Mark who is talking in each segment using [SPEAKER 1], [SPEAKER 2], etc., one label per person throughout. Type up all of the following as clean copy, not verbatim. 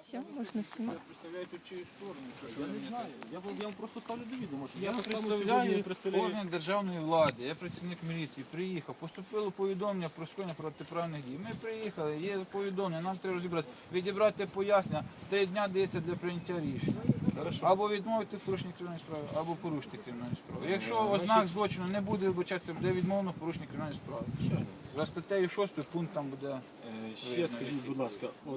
[SPEAKER 1] Все, можна знімати.
[SPEAKER 2] Представляєте чию сторону?
[SPEAKER 3] Я не знаю. Я вам просто ставлю до відома, що
[SPEAKER 2] Я
[SPEAKER 3] так само
[SPEAKER 2] представляю
[SPEAKER 3] сьогодні представляю.
[SPEAKER 2] орган державної влади, я працівник міліції, приїхав, поступило повідомлення про скоєння протиправних дій. Ми приїхали, є повідомлення, нам треба розібратися, відібрати пояснення, 3 дня дається для прийняття рішення. Або відмовити в порушенні кримінальної справи, або порушити кримінальну справу. Якщо ознак злочину не буде вибачатися, буде відмовлено в порушенні кримінальної справи. За статтею 6 пункт там буде.
[SPEAKER 3] Ще скажіть, будь ласка, от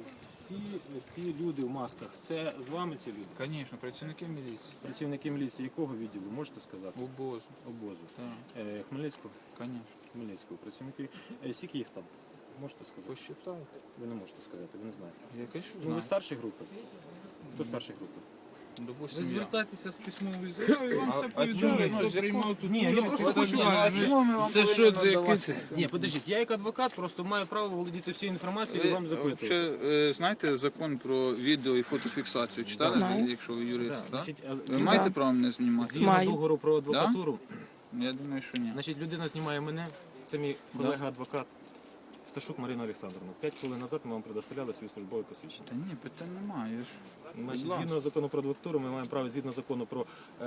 [SPEAKER 3] ті люди в масках, це з вами ці люди?
[SPEAKER 2] Звісно, працівники міліції.
[SPEAKER 3] Працівники міліції якого відділу, можете сказати?
[SPEAKER 2] Обозу.
[SPEAKER 3] Обозу.
[SPEAKER 2] Так,
[SPEAKER 3] Хмельницького?
[SPEAKER 2] звісно.
[SPEAKER 3] Хмельницького. Працівники. Скільки їх там? Можете сказати?
[SPEAKER 2] Посчитайте.
[SPEAKER 3] Ви не можете сказати, ви не знаєте.
[SPEAKER 2] Я кажу,
[SPEAKER 3] Ну, ви старші групи? Хто старші групи?
[SPEAKER 2] допустим,
[SPEAKER 4] Ви
[SPEAKER 2] я.
[SPEAKER 4] звертайтеся з письмовою заявою, і вам все
[SPEAKER 2] ні,
[SPEAKER 4] повідомлять,
[SPEAKER 2] ну,
[SPEAKER 4] хто
[SPEAKER 2] з якого-
[SPEAKER 4] приймав тут
[SPEAKER 3] Ні, я
[SPEAKER 4] участь.
[SPEAKER 3] просто
[SPEAKER 4] і так
[SPEAKER 3] хочу-
[SPEAKER 4] далі.
[SPEAKER 2] а чому ми вам
[SPEAKER 4] Це що,
[SPEAKER 2] повинні
[SPEAKER 4] якийсь...
[SPEAKER 3] Ні, подождіть, я як адвокат просто маю право володіти всією інформацією і вам запитувати.
[SPEAKER 2] Взагалі, знаєте закон про відео і фотофіксацію? Читали,
[SPEAKER 1] Знаю.
[SPEAKER 2] якщо ви юрист?
[SPEAKER 3] Так,
[SPEAKER 2] Так?
[SPEAKER 3] значить,
[SPEAKER 2] Ви маєте право мене знімати?
[SPEAKER 3] згідно
[SPEAKER 1] Маю.
[SPEAKER 3] договору про адвокатуру,
[SPEAKER 2] Я думаю, що ні.
[SPEAKER 3] значить, людина знімає мене, це мій колега-адвокат Сташук Марина Олександровна. 5 хвилин назад ми вам предоставляли свої службові посвідчення.
[SPEAKER 2] Та ні, питань немає. Я ж...
[SPEAKER 3] Значить,
[SPEAKER 2] Будь ласка.
[SPEAKER 3] згідно закону про адвокатуру, ми маємо право, згідно закону про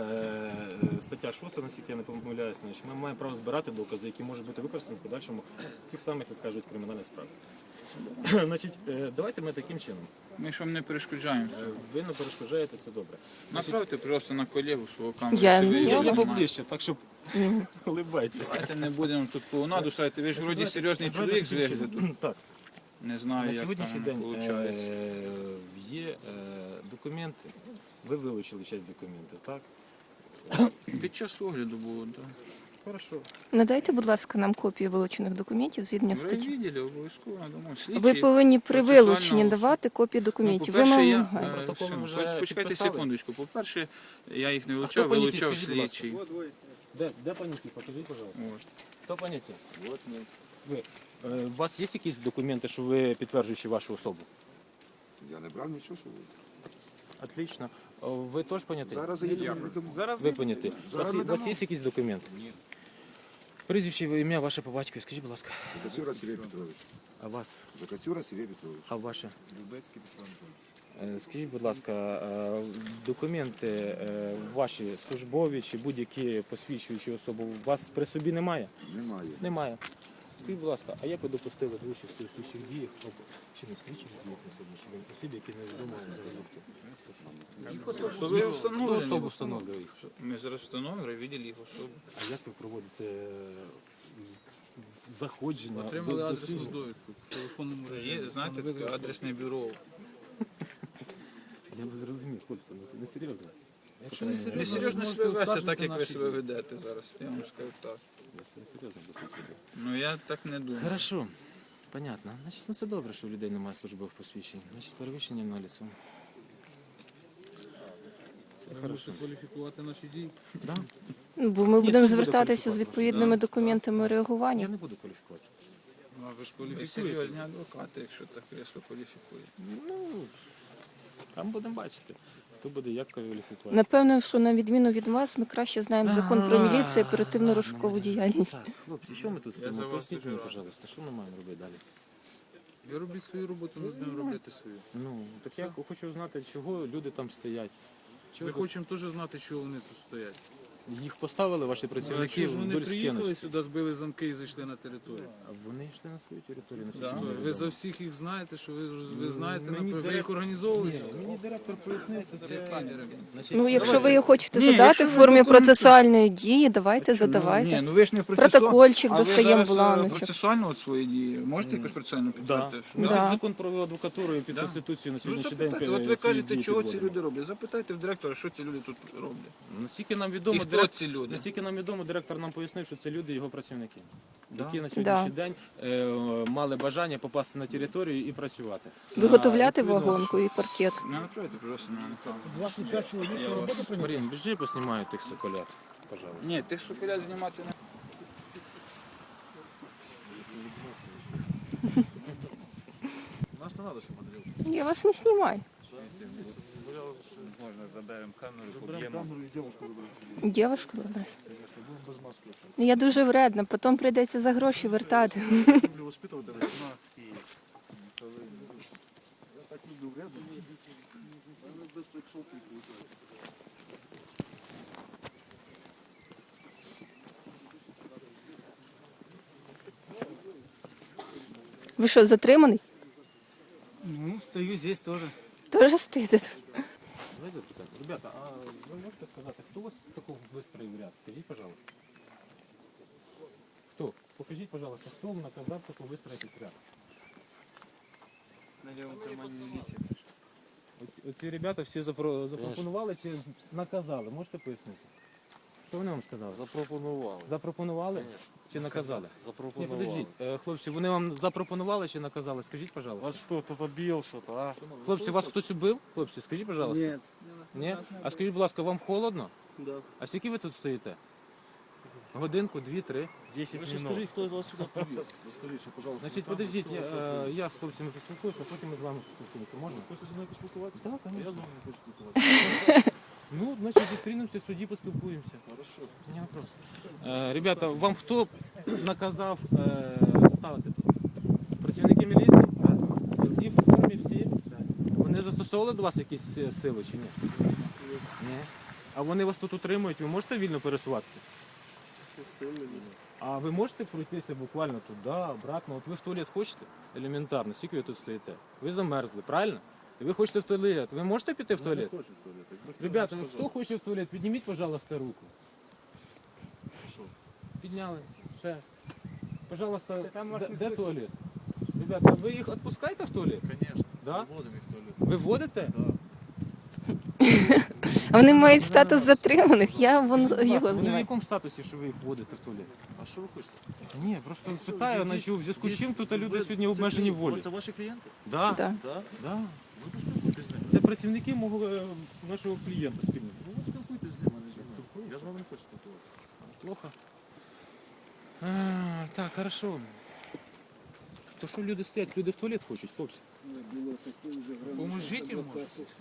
[SPEAKER 3] стаття 6, наскільки я не помиляюся, значить, ми маємо право збирати докази, які можуть бути використані в подальшому тих самих, як кажуть, кримінальних справ. Значить, давайте ми таким чином.
[SPEAKER 2] Ми ж вам не перешкоджаємо.
[SPEAKER 3] Ви не перешкоджаєте, це добре.
[SPEAKER 2] Направте просто на колегу свого камеру.
[SPEAKER 1] Я-
[SPEAKER 2] якщо ви
[SPEAKER 1] я-
[SPEAKER 2] її
[SPEAKER 3] Я
[SPEAKER 2] знаєте.
[SPEAKER 3] поближче, так щоб улибайтеся.
[SPEAKER 2] Давайте не будемо тут клоунаду ставити. Ви ж вроді серйозний чоловік з вигляду.
[SPEAKER 3] Так,
[SPEAKER 2] Не знаю,
[SPEAKER 3] на
[SPEAKER 2] як
[SPEAKER 3] сьогоднішній
[SPEAKER 2] там
[SPEAKER 3] день
[SPEAKER 2] виходить.
[SPEAKER 3] є документи, ви вилучили часть документів, так?
[SPEAKER 2] Під час огляду було, так.
[SPEAKER 3] Хорошо.
[SPEAKER 1] Надайте, будь ласка, нам копію вилучених документів згідно
[SPEAKER 2] В
[SPEAKER 1] статті.
[SPEAKER 2] райвідділі обов'язково надамо.
[SPEAKER 1] Ви повинні при
[SPEAKER 2] процесуального
[SPEAKER 1] вилученні
[SPEAKER 2] суду.
[SPEAKER 1] давати копії документів. Ви
[SPEAKER 2] по-перше,
[SPEAKER 1] вимагаєте.
[SPEAKER 3] Протоколи вже
[SPEAKER 2] почекайте
[SPEAKER 3] підписали?
[SPEAKER 2] секундочку. По-перше, я їх не
[SPEAKER 3] хто
[SPEAKER 2] вилучав,
[SPEAKER 3] поняті,
[SPEAKER 2] вилучав
[SPEAKER 3] скажіть, будь ласка?
[SPEAKER 2] слідчий.
[SPEAKER 3] Де поняті? Покажіть, пожалуйста.
[SPEAKER 2] От.
[SPEAKER 3] Хто поняті?
[SPEAKER 2] От ми.
[SPEAKER 3] Ви. У вас є якісь документи, що ви підтверджуючи вашу особу?
[SPEAKER 5] Я не брав нічого собі.
[SPEAKER 3] Отлично. Ви теж поняті?
[SPEAKER 5] Зараз я Зараз
[SPEAKER 3] Ви поняті.
[SPEAKER 5] Зараз
[SPEAKER 3] У вас
[SPEAKER 5] надамо.
[SPEAKER 3] є якісь документи? Ні. Прізвище, ім'я ваше по батькові, скажіть, будь ласка.
[SPEAKER 5] Закацюра Сергій Петрович.
[SPEAKER 3] А вас?
[SPEAKER 5] Закацюра Сергій Петрович.
[SPEAKER 3] А ваше?
[SPEAKER 5] Любецький Петро Анатолійович.
[SPEAKER 3] Скажіть, будь ласка, документи ваші службові чи будь-які посвідчуючі особу у вас при собі немає?
[SPEAKER 5] Немає.
[SPEAKER 3] Немає. Скажіть, будь ласка, а як ви допустили до участі у слідчих діях, чи не слідчих діях на сьогоднішній день, осіб, які не відомо взагалі?
[SPEAKER 2] Що ви
[SPEAKER 3] Хто
[SPEAKER 2] встановлені?
[SPEAKER 3] особу встановлює їх?
[SPEAKER 2] Ми зараз встановлюємо, відділ їх особи.
[SPEAKER 3] А як ви проводите заходження?
[SPEAKER 4] Отримали
[SPEAKER 3] до
[SPEAKER 4] адресну
[SPEAKER 3] слідчих?
[SPEAKER 4] довідку в телефонному режимі.
[SPEAKER 2] Є, знаєте, таке адресне бюро.
[SPEAKER 3] Я не зрозумів, хлопці, це не серйозно.
[SPEAKER 4] Якщо не серйозно,
[SPEAKER 2] Несерйозно
[SPEAKER 4] ви
[SPEAKER 2] себе
[SPEAKER 4] можете
[SPEAKER 2] вести
[SPEAKER 4] оскаржити
[SPEAKER 2] так, як ви
[SPEAKER 4] наші
[SPEAKER 2] себе
[SPEAKER 4] дії.
[SPEAKER 2] ведете зараз. Я вам скажу так.
[SPEAKER 3] Це не серйозно досить сюди.
[SPEAKER 2] Ну я так не думаю.
[SPEAKER 3] Хорошо, понятно. Значить, ну це добре, що у людей немає службових посвідчень. Значить, перевищення на лісу. Це
[SPEAKER 4] Ви
[SPEAKER 3] хорошо.
[SPEAKER 4] можете кваліфікувати наші дії.
[SPEAKER 3] Да?
[SPEAKER 1] Ну, бо ми
[SPEAKER 3] Ні,
[SPEAKER 1] будемо
[SPEAKER 3] це буде
[SPEAKER 1] звертатися з
[SPEAKER 3] кваліфікувати.
[SPEAKER 1] відповідними документами
[SPEAKER 3] Я
[SPEAKER 1] реагування.
[SPEAKER 3] не буду кваліфікувати.
[SPEAKER 4] Ну, а ви ж
[SPEAKER 2] Ви
[SPEAKER 4] кваліфікуєте.
[SPEAKER 2] серйозні адвокати, якщо так різко кваліфікуєте.
[SPEAKER 3] Ну, там будемо бачити, хто буде як кваліфікувати.
[SPEAKER 1] Напевно, що на відміну від вас, ми краще знаємо закон про міліцію і оперативну розшукову діяльність.
[SPEAKER 3] Так, хлопці, що ми тут
[SPEAKER 2] Я за
[SPEAKER 3] стоїмо?
[SPEAKER 2] вас
[SPEAKER 3] Поясніть
[SPEAKER 2] дуже
[SPEAKER 3] мені,
[SPEAKER 2] радий.
[SPEAKER 3] пожалуйста, що ми маємо робити далі?
[SPEAKER 4] Ви робіть свою роботу, ми будемо робити свою.
[SPEAKER 3] Ну, так я хочу знати, чого люди там стоять.
[SPEAKER 4] Ми
[SPEAKER 3] Чого
[SPEAKER 4] хочемо теж знати, чого вони тут стоять.
[SPEAKER 3] їх поставили ваші
[SPEAKER 4] Ну,
[SPEAKER 3] працівники
[SPEAKER 4] якщо ж вони
[SPEAKER 3] вдоль
[SPEAKER 4] приїхали
[SPEAKER 3] стіночки?
[SPEAKER 4] сюди, збили замки і зайшли на територію.
[SPEAKER 3] А вони йшли на свою територію.
[SPEAKER 4] Да.
[SPEAKER 3] наскільки мені
[SPEAKER 4] Ви
[SPEAKER 3] відомо.
[SPEAKER 4] за всіх їх знаєте, що ви знаєте,
[SPEAKER 3] Мені
[SPEAKER 4] напевно, ви
[SPEAKER 3] директор-
[SPEAKER 4] їх організовували
[SPEAKER 3] Ні,
[SPEAKER 4] сюди?
[SPEAKER 3] мені директор пояснив, що це... Значить,
[SPEAKER 1] Ну, якщо
[SPEAKER 3] давайте.
[SPEAKER 1] ви його хочете
[SPEAKER 2] Ні,
[SPEAKER 1] задати
[SPEAKER 2] якщо
[SPEAKER 1] в
[SPEAKER 2] ви
[SPEAKER 1] формі
[SPEAKER 2] документи-
[SPEAKER 1] процесуальної дії, давайте
[SPEAKER 2] Ні,
[SPEAKER 1] задавайте.
[SPEAKER 2] ну ви ж не
[SPEAKER 1] Протокольчик
[SPEAKER 2] А ви
[SPEAKER 1] достаємо
[SPEAKER 2] зараз
[SPEAKER 1] бланочок.
[SPEAKER 2] процесуально от свої дії. Можете якось процесуально
[SPEAKER 3] Да.
[SPEAKER 2] підтвердити?
[SPEAKER 3] Ми
[SPEAKER 1] Да.
[SPEAKER 3] під закон про адвокатуру і під
[SPEAKER 2] Да.
[SPEAKER 3] Конституцію на
[SPEAKER 2] Ну
[SPEAKER 3] сьогоднішній день
[SPEAKER 2] запитайте, от ви
[SPEAKER 3] свої
[SPEAKER 2] кажете,
[SPEAKER 3] дії
[SPEAKER 2] чого ці
[SPEAKER 3] підводимо.
[SPEAKER 2] люди роблять. Запитайте в директора, що ці люди тут роблять.
[SPEAKER 3] Наскільки нам
[SPEAKER 2] І
[SPEAKER 3] відомо,
[SPEAKER 2] хто ці люди?
[SPEAKER 3] наскільки нам відомо, директор нам пояснив, що це люди його працівники,
[SPEAKER 2] Да.
[SPEAKER 3] які на сьогоднішній день мали бажання попасти на територію і працювати.
[SPEAKER 1] Виготовляти
[SPEAKER 3] Відповідно,
[SPEAKER 1] вагонку і паркет.
[SPEAKER 2] Не направте, пожалуйста, на екран.
[SPEAKER 4] 25 чоловік роботи
[SPEAKER 3] Марін, біжи, поснімаю тих соколят, пожалуйста.
[SPEAKER 2] Ні, тих соколят знімати не.
[SPEAKER 4] Нас не треба, щоб моделювати.
[SPEAKER 1] Я вас не знімаю.
[SPEAKER 6] Можно заберем камеру,
[SPEAKER 4] Заберемо
[SPEAKER 6] поб'ємо.
[SPEAKER 4] камеру і дівчинку виберемо.
[SPEAKER 1] Дівушку вибрати.
[SPEAKER 4] Будемо без маски.
[SPEAKER 1] Я дуже вредна, потім прийдеться за гроші вертати.
[SPEAKER 4] Люблю воспитувати, вона любил рядом. Наверное, быстро к шелку получается.
[SPEAKER 1] Ви що, затриманий?
[SPEAKER 6] Ну, стою здесь тоже.
[SPEAKER 1] Тоже стоїте?
[SPEAKER 3] Давай запитаємо. Ребята, а ви можете сказати, хто вас такого вистроїв ряд? Скажіть, пожалуйста. Хто? Покажіть, пожалуйста, хто вам наказав таку вистроїти ряд?
[SPEAKER 6] На левом кармане милиции.
[SPEAKER 3] Оці ребята всі запропонували чи наказали? Можете пояснити? Що вони вам сказали?
[SPEAKER 4] Запропонували.
[SPEAKER 3] Запропонували чи наказали? Ні,
[SPEAKER 4] Запропонували.
[SPEAKER 3] подождіть, хлопці, вони вам запропонували чи наказали? Скажіть, пожалуйста.
[SPEAKER 4] Вас что, кто-то бил, что-то, а?
[SPEAKER 3] Хлопці, вас хтось убив? Хлопці, скажіть, пожалуйста.
[SPEAKER 6] Нет.
[SPEAKER 3] Ні? А скажіть, будь ласка, вам холодно?
[SPEAKER 6] Да.
[SPEAKER 3] А скільки ви тут стоїте? Годинку, 2-3?
[SPEAKER 4] 10 минут. Скажите, кто из вас сюда привез? Расскажите, пожалуйста.
[SPEAKER 3] Значить,
[SPEAKER 4] там,
[SPEAKER 3] подождіть,
[SPEAKER 4] кто вас сюда привез.
[SPEAKER 3] я з хлопцями поспілкуюся, а потім ми з вами поспілкуємося. Можна?
[SPEAKER 4] Хочете зі мною поспілкуватися?
[SPEAKER 3] Так,
[SPEAKER 4] Я
[SPEAKER 3] звісно.
[SPEAKER 4] з вами не хочу спілкуватися.
[SPEAKER 3] Ну, значить, зустрінемося в суді, поспілкуємося.
[SPEAKER 4] Хорошо.
[SPEAKER 3] Не вопрос. Ребята, вам хто наказав ставити тут? Працівники міліції? Всі в формі, всі? Вони застосовували до вас якісь сили чи ні? Ні. А вони вас тут утримують, ви можете вільно пересуватися? А ви можете пройтися буквально туди, обратно? От ви в туалет хочете? Елементарно, скільки ви тут стоїте? Ви замерзли, правильно? І ви хочете в туалет. Ви можете піти в туалет?
[SPEAKER 4] Не хочу в туалет. Якби хто
[SPEAKER 3] Ребята,
[SPEAKER 4] вам
[SPEAKER 3] ну
[SPEAKER 4] сказав.
[SPEAKER 3] хто хоче в туалет, підніміть, пожалуйста, руку.
[SPEAKER 4] Що?
[SPEAKER 3] Підняли. Ще. Пожалуйста,
[SPEAKER 6] Там вас не
[SPEAKER 3] де
[SPEAKER 6] слышно.
[SPEAKER 3] туалет? Ребята, ви їх відпускаєте в туалет?
[SPEAKER 4] Конечно.
[SPEAKER 3] Да?
[SPEAKER 4] Вводимо їх в туалет.
[SPEAKER 3] Ви вводите?
[SPEAKER 4] Да.
[SPEAKER 1] А вони мають статус затриманих, я
[SPEAKER 3] Вони
[SPEAKER 1] його
[SPEAKER 3] в
[SPEAKER 1] знаю.
[SPEAKER 3] якому статусі, що ви їх вводите в туалет?
[SPEAKER 4] А що ви хочете?
[SPEAKER 3] Ні, просто питаю, наче в зв'язку з чим тут люди сьогодні обмежені в волі.
[SPEAKER 4] Це ваші клієнти?
[SPEAKER 3] Да,
[SPEAKER 1] Да.
[SPEAKER 4] Да?
[SPEAKER 3] да.
[SPEAKER 4] Ви поспілкуйтесь з ними.
[SPEAKER 3] Це працівники мого нашого клієнта спільного.
[SPEAKER 4] Ну, ви спілкуйтесь з ними, а не зі мною. Я з вами не хочу спілкуватися.
[SPEAKER 3] Плохо. Так, хорошо. То що люди стоять? Люди в туалет хочуть, хлопці.
[SPEAKER 2] Поможіть йому.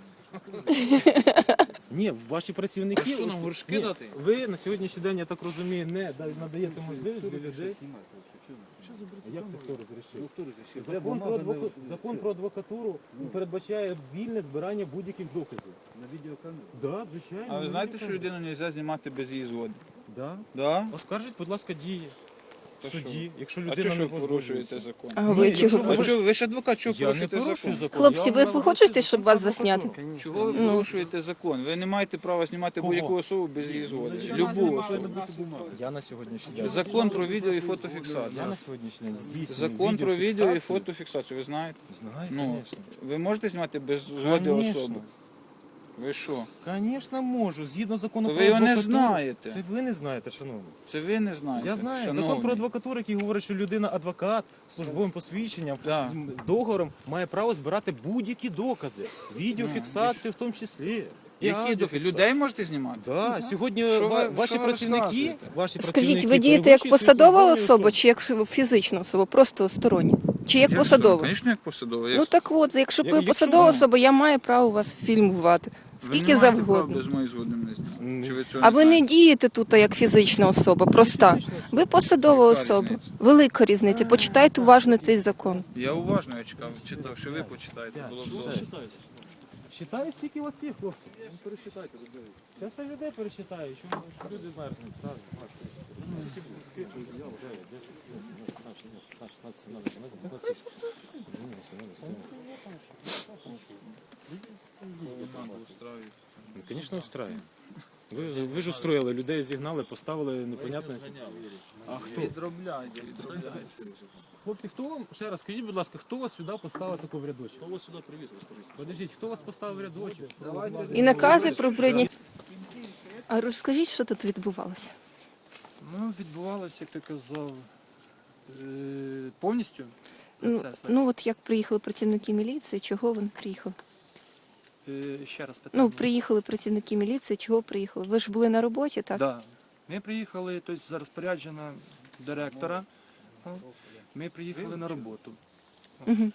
[SPEAKER 3] Ні, ваші працівники.
[SPEAKER 2] А що, нам
[SPEAKER 3] оці-
[SPEAKER 2] горшки
[SPEAKER 3] ні,
[SPEAKER 2] дати?
[SPEAKER 3] Ви на сьогоднішній день, я так розумію, не надаєте можливість для людей. А як це хто розрішив? Закон про адвокатуру передбачає вільне збирання будь-яких доказів.
[SPEAKER 6] На видеокамеру.
[SPEAKER 3] Да, звичайно.
[SPEAKER 2] А ви знаєте, що людину не можна знімати без її згоди?
[SPEAKER 3] Да.
[SPEAKER 2] Да?
[SPEAKER 3] Оскаржіть, будь ласка, дії
[SPEAKER 2] То
[SPEAKER 3] в суді, якщо
[SPEAKER 2] А
[SPEAKER 3] людина
[SPEAKER 2] чого ж
[SPEAKER 3] не
[SPEAKER 2] ви порушуєте
[SPEAKER 3] погоджується.
[SPEAKER 2] закон?
[SPEAKER 1] А
[SPEAKER 3] Ні,
[SPEAKER 1] ви
[SPEAKER 3] якщо
[SPEAKER 1] чого?
[SPEAKER 3] ви-
[SPEAKER 2] А чого ви ж адвокат, чого
[SPEAKER 3] Я не
[SPEAKER 2] порушуєте
[SPEAKER 3] порушую
[SPEAKER 2] закон?
[SPEAKER 3] закон.
[SPEAKER 1] Хлопці,
[SPEAKER 3] Я
[SPEAKER 1] ви
[SPEAKER 3] вам
[SPEAKER 1] хочете,
[SPEAKER 3] наводити
[SPEAKER 1] щоб вас
[SPEAKER 3] закон про
[SPEAKER 1] засняти?
[SPEAKER 3] прокуратуру.
[SPEAKER 2] Чого ви порушуєте закон? Ви не маєте права знімати
[SPEAKER 3] Кого?
[SPEAKER 2] будь-яку особу без її згоди.
[SPEAKER 3] Ну,
[SPEAKER 2] Любу особу.
[SPEAKER 3] Я на сьогоднішній день.
[SPEAKER 2] Закон про відео і
[SPEAKER 3] Я
[SPEAKER 2] фотофіксацію.
[SPEAKER 3] на сьогоднішній день здійснюю
[SPEAKER 2] Закон про відео і
[SPEAKER 3] відеофіксацію.
[SPEAKER 2] фотофіксацію, ви знаєте?
[SPEAKER 3] Знаю,
[SPEAKER 2] Ну,
[SPEAKER 3] звісно.
[SPEAKER 2] ви можете знімати без згоди
[SPEAKER 3] Конечно.
[SPEAKER 2] особи? Ви що?
[SPEAKER 3] Звісно, можу. Згідно закону
[SPEAKER 2] То
[SPEAKER 3] про
[SPEAKER 2] ви його не
[SPEAKER 3] адвокатуру.
[SPEAKER 2] знаєте.
[SPEAKER 3] Це ви не знаєте, шановні.
[SPEAKER 2] Це ви не знаєте.
[SPEAKER 3] Я знаю. Закон
[SPEAKER 2] шановний.
[SPEAKER 3] про адвокатуру, який говорить, що людина адвокат з службовим посвідченням,
[SPEAKER 2] Да.
[SPEAKER 3] з договором має право збирати будь-які докази. Відеофіксацію в тому числі. І
[SPEAKER 2] Які дофі?
[SPEAKER 3] аудіофіксацію.
[SPEAKER 2] Людей можете знімати?
[SPEAKER 3] Да, сьогодні
[SPEAKER 2] Що ви-
[SPEAKER 3] ваші
[SPEAKER 2] що ви
[SPEAKER 3] працівники,
[SPEAKER 2] розказуєте?
[SPEAKER 3] працівники
[SPEAKER 1] Скажіть, ви дієте як
[SPEAKER 3] перевищують свої
[SPEAKER 1] посадова
[SPEAKER 3] службові
[SPEAKER 1] особа
[SPEAKER 3] особи.
[SPEAKER 1] чи як фізична особа, просто стороння? Чи як посадова?
[SPEAKER 2] Звісно, як посадова.
[SPEAKER 1] Ну так от, якщо ви
[SPEAKER 3] Якщо-
[SPEAKER 1] посадова особа, я маю право вас фільмувати. Скільки завгодно.
[SPEAKER 2] без моєї згоди мене знімати. Чи ви цього
[SPEAKER 1] А ви не
[SPEAKER 2] знаєте?
[SPEAKER 1] дієте тут як фізична особа, проста. Ви посадова
[SPEAKER 2] Яка
[SPEAKER 1] особа.
[SPEAKER 2] різниця?
[SPEAKER 1] Велика різниця. Почитайте уважно цей закон.
[SPEAKER 2] Я уважно я читав, що ви почитаєте. Було б добре.
[SPEAKER 3] Считаю, скільки у вас є, хлопці.
[SPEAKER 4] Пересчитайте людей.
[SPEAKER 3] Зараз я людей пересчитаю, що люди мерзнуть. Раз, два, три, чотири, 5, Ну, звісно, устраиваем. Ви ж устроїли, людей зігнали, поставили непонятне. А хто?
[SPEAKER 2] Відробляйте.
[SPEAKER 3] Хлопці, хто вам, ще раз, скажіть, будь ласка, хто вас сюди поставив таку в рядочок?
[SPEAKER 4] Хто вас сюди привіз, розкажіть.
[SPEAKER 3] Подождіть, хто вас поставив в рядочок?
[SPEAKER 1] І накази про прийняття. А розкажіть, що тут відбувалося?
[SPEAKER 6] Ну, відбувалося, як ти казав, повністю
[SPEAKER 1] Ну,
[SPEAKER 6] процес.
[SPEAKER 1] ну от як приїхали працівники міліції, чого вони приїхали?
[SPEAKER 6] Ще раз питання.
[SPEAKER 1] Ну, приїхали працівники міліції, чого приїхали? Ви ж були на роботі, так?
[SPEAKER 6] Да. Ми приїхали, тобто за розпорядження директора, ми приїхали на роботу.
[SPEAKER 1] Угу.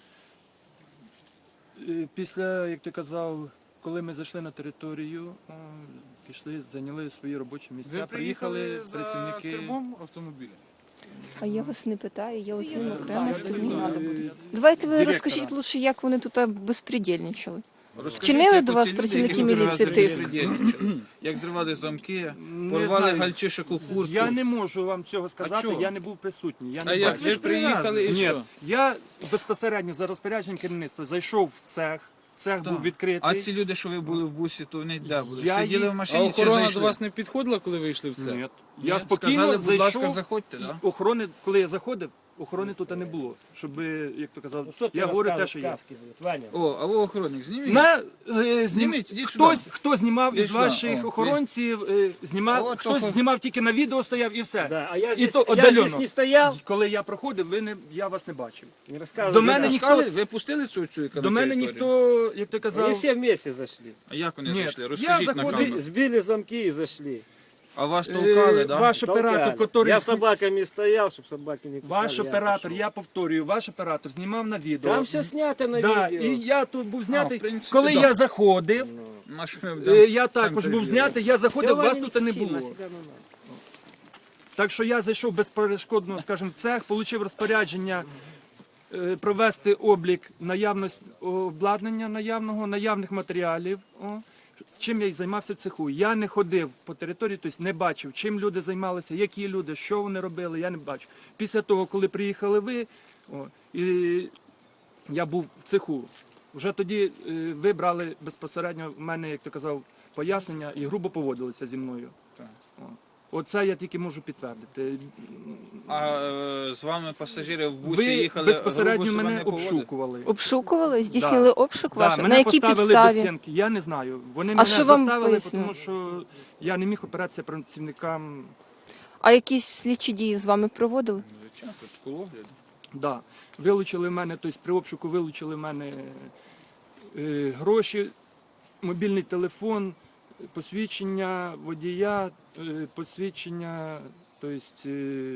[SPEAKER 6] Після, як ти казав, коли ми зайшли на територію, пішли, зайняли свої робочі місця.
[SPEAKER 2] Ви приїхали за
[SPEAKER 6] працівники.
[SPEAKER 2] кермом автомобіля?
[SPEAKER 1] А я вас не питаю, я от з ним окремо
[SPEAKER 6] Так,
[SPEAKER 1] спілкувалася.
[SPEAKER 6] е,
[SPEAKER 1] Давайте ви
[SPEAKER 6] директора.
[SPEAKER 1] розкажіть лучше, як вони тут безпредельничали.
[SPEAKER 2] Розкажіть,
[SPEAKER 1] Вчинили
[SPEAKER 2] як
[SPEAKER 1] до
[SPEAKER 2] оці
[SPEAKER 1] вас
[SPEAKER 2] люди,
[SPEAKER 1] працівники
[SPEAKER 2] які
[SPEAKER 1] міліції
[SPEAKER 2] раз
[SPEAKER 1] тиск?
[SPEAKER 2] безпредельничали? Як зривали замки,
[SPEAKER 6] Не
[SPEAKER 2] порвали
[SPEAKER 6] знаю.
[SPEAKER 2] гальчишику куртку.
[SPEAKER 6] Я не можу вам цього сказати,
[SPEAKER 2] чого?
[SPEAKER 6] я не був присутній. Я не
[SPEAKER 2] А як
[SPEAKER 6] бачив.
[SPEAKER 2] ви ж приїхали і
[SPEAKER 6] Ні,
[SPEAKER 2] що?
[SPEAKER 6] я безпосередньо за розпорядженням керівництва зайшов в цех, цех був відкритий.
[SPEAKER 2] А ці люди, що ви були в бусі, то вони де були?
[SPEAKER 6] Я
[SPEAKER 2] Сиділи
[SPEAKER 6] їх-
[SPEAKER 2] в
[SPEAKER 7] А
[SPEAKER 2] машині чи
[SPEAKER 7] охорона
[SPEAKER 2] зайшли?
[SPEAKER 7] до вас не підходила, коли ви йшли в це?
[SPEAKER 6] Ні. Я
[SPEAKER 2] Ні?
[SPEAKER 6] спокійно
[SPEAKER 2] Сказали, будь ласка,
[SPEAKER 6] зайшов.
[SPEAKER 2] заходьте, да?
[SPEAKER 6] Охорони, коли я заходив, охорони тут не було. Щоб, як то казав, я говорю те, що є.
[SPEAKER 2] О, а ви охоронник, зніміть.
[SPEAKER 6] Зніміть,
[SPEAKER 2] ідіть сюди.
[SPEAKER 6] хто знімав
[SPEAKER 2] Ідіть
[SPEAKER 6] із
[SPEAKER 2] сюди.
[SPEAKER 6] ваших
[SPEAKER 2] О,
[SPEAKER 6] охоронців, знімав,
[SPEAKER 2] От
[SPEAKER 6] хтось
[SPEAKER 2] охор-
[SPEAKER 6] знімав тільки на відео стояв і все.
[SPEAKER 8] Да, а я
[SPEAKER 6] І
[SPEAKER 8] здесь,
[SPEAKER 6] то
[SPEAKER 8] я
[SPEAKER 6] отдалено.
[SPEAKER 8] здесь не стоял,
[SPEAKER 6] Коли я проходив, я вас не бачив.
[SPEAKER 8] не рассказывал.
[SPEAKER 6] До мене
[SPEAKER 2] Ви
[SPEAKER 6] ніхто-
[SPEAKER 2] пускали? Ви пустили цього чоловіка
[SPEAKER 6] До
[SPEAKER 2] на
[SPEAKER 6] мене
[SPEAKER 2] територію?
[SPEAKER 6] ніхто, як ти
[SPEAKER 8] Они
[SPEAKER 6] казав,
[SPEAKER 8] все вместе зашли.
[SPEAKER 2] А як вони
[SPEAKER 6] Ні,
[SPEAKER 2] зайшли?
[SPEAKER 6] я
[SPEAKER 2] Розкажіть на
[SPEAKER 6] заходив-
[SPEAKER 2] камеру.
[SPEAKER 8] Сбили замки и зашли.
[SPEAKER 2] А вас толкали, да?
[SPEAKER 6] ваш оператор,
[SPEAKER 8] Толкали. Я
[SPEAKER 6] який...
[SPEAKER 8] с собаками стоял, чтобы собаки не кусали.
[SPEAKER 6] Ваш
[SPEAKER 8] я
[SPEAKER 6] оператор,
[SPEAKER 8] пошел.
[SPEAKER 6] я повторюю, ваш оператор знімав на відео.
[SPEAKER 8] Там все снято на
[SPEAKER 6] Да,
[SPEAKER 8] видео.
[SPEAKER 6] і я тут був знятий.
[SPEAKER 2] в принципі,
[SPEAKER 6] Коли
[SPEAKER 2] да.
[SPEAKER 6] я заходив,
[SPEAKER 2] На що ми
[SPEAKER 6] я також був знятий, я заходив, вас тут не було. Так що я зайшов безперешкодно, скажімо, в цех, отримав розпорядження провести облік обладнання наявних матеріалів. Чим я й займався в цеху. Я не ходив по території, тобто не бачив, чим люди займалися, які люди, що вони робили, я не бачив. Після того, коли приїхали ви, і я був в цеху, вже тоді ви брали безпосередньо в мене, як ти казав, пояснення і грубо поводилися зі мною.
[SPEAKER 2] Так.
[SPEAKER 6] Оце я тільки можу підтвердити.
[SPEAKER 2] А з вами пасажири в бусі
[SPEAKER 6] Ви
[SPEAKER 2] їхали,
[SPEAKER 6] безпосередньо
[SPEAKER 2] грубо себе
[SPEAKER 6] мене
[SPEAKER 2] не поводили?
[SPEAKER 6] обшукували.
[SPEAKER 1] Обшукували? Здійснили обшук ваш?
[SPEAKER 6] Да,
[SPEAKER 1] На
[SPEAKER 6] мене
[SPEAKER 1] якій
[SPEAKER 6] поставили
[SPEAKER 1] підставі?
[SPEAKER 6] до стінки, я не знаю. Вони мене
[SPEAKER 1] що вам
[SPEAKER 6] заставили,
[SPEAKER 1] пояснили?
[SPEAKER 6] тому що я не міг опиратися працівникам.
[SPEAKER 1] А якісь слідчі дії з вами проводили?
[SPEAKER 2] Звичайно, протокол.
[SPEAKER 6] Да. Вилучили в мене, тобто при обшуку вилучили в мене гроші, мобільний телефон, посвідчення водія, посвідчення, тобто,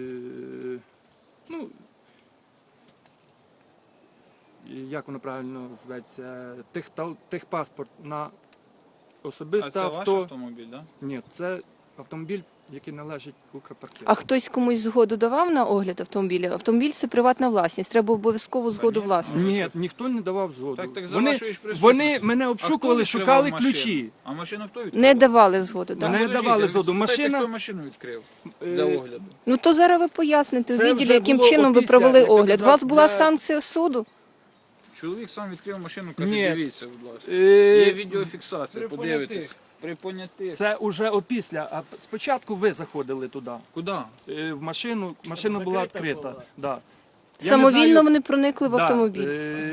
[SPEAKER 6] ну, як воно правильно зветься, техпаспорт на
[SPEAKER 2] А
[SPEAKER 6] особисте
[SPEAKER 2] це ваш
[SPEAKER 6] авто.
[SPEAKER 2] автомобіль, так? Да?
[SPEAKER 6] Ні, це автомобіль, який належить Укрпаркету.
[SPEAKER 1] А хтось комусь згоду давав на огляд автомобіля? Автомобіль це приватна власність, треба обов'язково згоду
[SPEAKER 2] Конечно.
[SPEAKER 1] власника.
[SPEAKER 6] Ні, ніхто не давав згоду.
[SPEAKER 2] Так за
[SPEAKER 6] вони,
[SPEAKER 2] вашої ж присутності.
[SPEAKER 6] вони мене
[SPEAKER 2] А хто
[SPEAKER 6] обшукували,
[SPEAKER 2] відкривав
[SPEAKER 6] шукали
[SPEAKER 2] машину?
[SPEAKER 6] ключі.
[SPEAKER 2] А машину хто відкрив?
[SPEAKER 1] Не давали згоду, так?
[SPEAKER 6] Мене
[SPEAKER 2] Подождіть,
[SPEAKER 6] давали
[SPEAKER 2] ви
[SPEAKER 6] згоду.
[SPEAKER 2] спитайте,
[SPEAKER 6] Машина-
[SPEAKER 2] хто машину відкрив
[SPEAKER 6] Е,
[SPEAKER 2] для огляду?
[SPEAKER 1] Ну то зараз ви поясните в
[SPEAKER 6] Це
[SPEAKER 1] відділі,
[SPEAKER 6] вже
[SPEAKER 1] яким
[SPEAKER 6] було
[SPEAKER 1] чином ви
[SPEAKER 6] опісля,
[SPEAKER 1] провели
[SPEAKER 6] як я
[SPEAKER 1] огляд. У вас
[SPEAKER 6] казав,
[SPEAKER 1] була
[SPEAKER 6] для-
[SPEAKER 1] санкція суду?
[SPEAKER 2] Чоловік сам відкрив машину, каже,
[SPEAKER 6] Ні.
[SPEAKER 2] дивіться, будь ласка. Є
[SPEAKER 6] Е,
[SPEAKER 2] відеофіксація, подивитесь. При понятих.
[SPEAKER 6] Це вже опісля. А спочатку ви заходили туди,
[SPEAKER 2] Куди?
[SPEAKER 6] в машину. Машина була
[SPEAKER 8] закрита
[SPEAKER 6] відкрита.
[SPEAKER 8] була.
[SPEAKER 6] Да. Я не
[SPEAKER 1] Самовільно
[SPEAKER 6] знаю-
[SPEAKER 1] вони проникли в
[SPEAKER 6] Да,
[SPEAKER 1] автомобіль.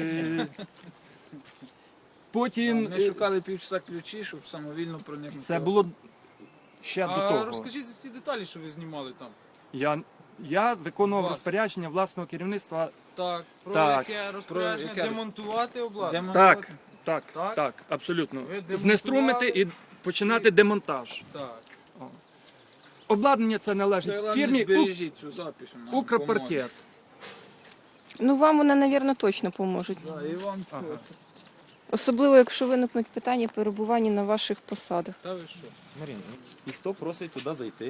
[SPEAKER 6] Потім
[SPEAKER 2] Ми шукали півчаса ключі, щоб самовільно проникнути.
[SPEAKER 6] це було ще до
[SPEAKER 7] А
[SPEAKER 6] того.
[SPEAKER 7] розкажіть за ці деталі, що ви знімали там.
[SPEAKER 6] Я виконував
[SPEAKER 7] Вас.
[SPEAKER 6] розпорядження власного керівництва.
[SPEAKER 7] Так, про
[SPEAKER 6] Так.
[SPEAKER 7] яке розпорядження
[SPEAKER 2] яке?
[SPEAKER 7] демонтувати обладнання.
[SPEAKER 2] Демонтувати?
[SPEAKER 6] Так,
[SPEAKER 7] Так?
[SPEAKER 6] абсолютно.
[SPEAKER 7] Ви демонтували?
[SPEAKER 6] Знеструмити і починати демонтаж.
[SPEAKER 7] Так.
[SPEAKER 6] Обладнання це належить
[SPEAKER 2] Це,
[SPEAKER 6] фірмі
[SPEAKER 2] збережіть цю запис. вона вам
[SPEAKER 6] Укрпаркет.
[SPEAKER 1] Ну вам вони, мабуть, точно поможуть.
[SPEAKER 2] поможе. Да, і вам
[SPEAKER 6] Ага.
[SPEAKER 1] Особливо, якщо виникнуть питання перебування на ваших посадах.
[SPEAKER 7] Та ви що?
[SPEAKER 3] Марина, і хто просить туди зайти?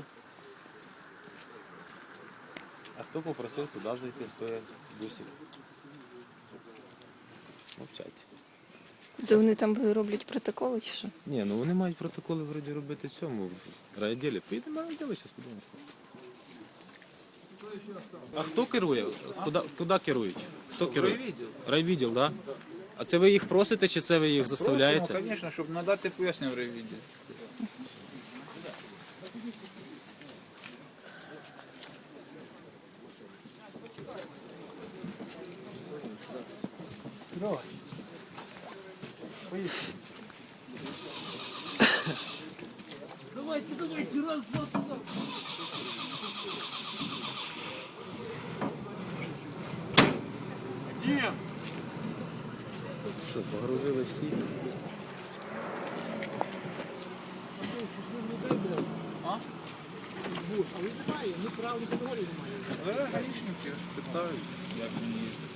[SPEAKER 3] А хто попросив туди зайти, хто є в бусі? Мовчать.
[SPEAKER 1] Де вони там роблять протоколи чи що?
[SPEAKER 3] Ні, ну вони мають протоколи вроді робити в цьому, в райвідділі. Поїдемо на райвідділ, зараз подивимося. А хто керує? Куди керують? Хто керує?
[SPEAKER 2] Райвідділ.
[SPEAKER 3] Райвідділ, так? Да? А це ви їх просите, чи це ви їх заставляєте?
[SPEAKER 2] Просимо, звісно, щоб надати пояснення в райвідділі.
[SPEAKER 3] Що, погрузили всі?
[SPEAKER 2] Але гаїшники ж питають, як мені їздити.